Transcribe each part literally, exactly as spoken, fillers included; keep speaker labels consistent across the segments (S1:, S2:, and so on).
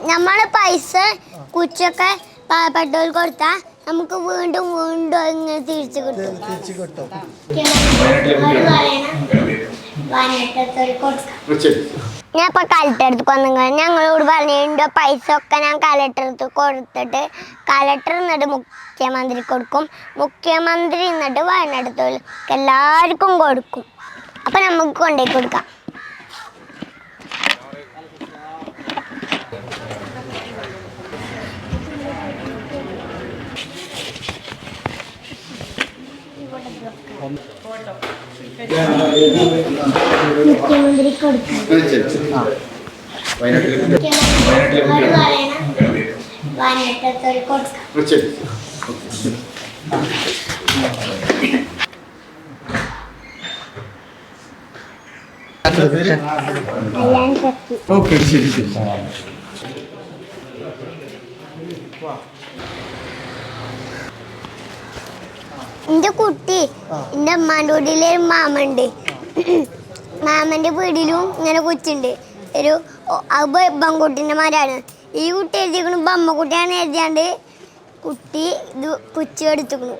S1: നമ്മള് പൈസ കുച്ചൊക്കെ പാവപ്പെട്ടവർ കൊടുത്താൽ നമുക്ക് വീണ്ടും വീണ്ടും ഇങ്ങനെ തിരിച്ചു കിട്ടും
S2: തിരിച്ചു കിട്ടും
S1: ഞാൻ ഇപ്പൊ കലക്ടറടുത്ത് വന്നു. ഞങ്ങളോട് പറഞ്ഞ പൈസ ഒക്കെ ഞാൻ കലക്ടറടുത്ത് കൊടുത്തിട്ട് കലക്ടർ എന്നിട്ട് മുഖ്യമന്ത്രി കൊടുക്കും, മുഖ്യമന്ത്രി എന്നിട്ട് വയനാട്ടിൽ എല്ലാവർക്കും കൊടുക്കും. അപ്പൊ നമുക്ക് കൊണ്ടുപോയി കൊടുക്കാം. മുഖ്യമന്ത്രി കൊടുക്കും. വയനാട്ടിൽ കൊടുക്കാം.
S2: ഓക്കെ ശരി ശരി.
S1: എന്റെ കുട്ടി എന്റെ അമ്മാന്റെ വീട്ടിലെ മാമണ്ട്. മാമന്റെ വീട്ടിലും ഇങ്ങനെ കൊച്ചുണ്ട്. ഒരു ബംകുട്ടിന്റെ മാരാണ്. ഈ കുട്ടി എഴുതിക്കണു ബമ്മക്കുട്ടിയാണ് എഴുതിയാണ്ട് കുട്ടി ഇത് കുച്ചു എടുത്തുക്കണു.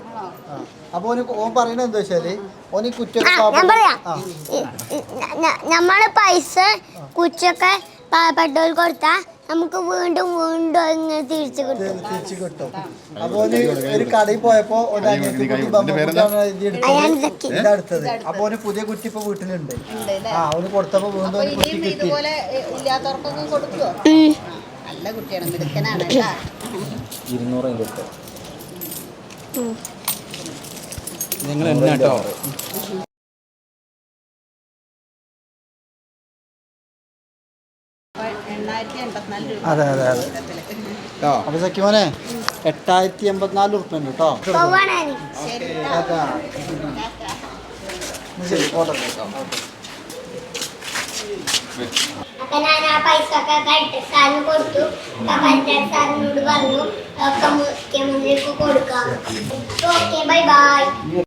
S1: ഞാൻ പറയാം, നമ്മള് പൈസ കുച്ചൊക്കെ പാവപ്പെട്ടവർ കൊടുത്താൽ നമുക്ക് വീണ്ടും വീണ്ടും ഇങ്ങനെ തിരിച്ചു കിട്ടും
S2: തിരിച്ചു കിട്ടും. അപ്പൊ ഒരു കടയിൽ പോയപ്പോ അടുത്തത് അപ്പൊ ഒരു പുതിയ കുട്ടി ഇപ്പൊ വീട്ടിലുണ്ട്. ആ അവന് കൊടുത്തപ്പോ വീണ്ടും
S3: ഇല്ലാത്തവർക്കൊന്നും കൊടുക്കുവോ? നല്ല കുട്ടിയാണ്, മിടുക്കനാണ്.
S2: ഇരുന്നൂറ് നിങ്ങൾ എന്നാ കേട്ടോ. അതെ അതെ അതെ. അപ്പൊ സഖിമോനെ എട്ടായിരത്തി എൺപത്തിനാല് ഉറുപ്പ്യ ഉണ്ട് കേട്ടോ. ശരി ഓർഡർ.
S1: അപ്പൊ ഞാൻ ആ പൈസ ഒക്കെ കലക്ടർ സാറിന് കൊടുത്തു. കലക്ടർ സാറിനോട് പറഞ്ഞു ഒക്കെ മുഖ്യമന്ത്രിക്ക് കൊടുക്കാം. Okay bye by.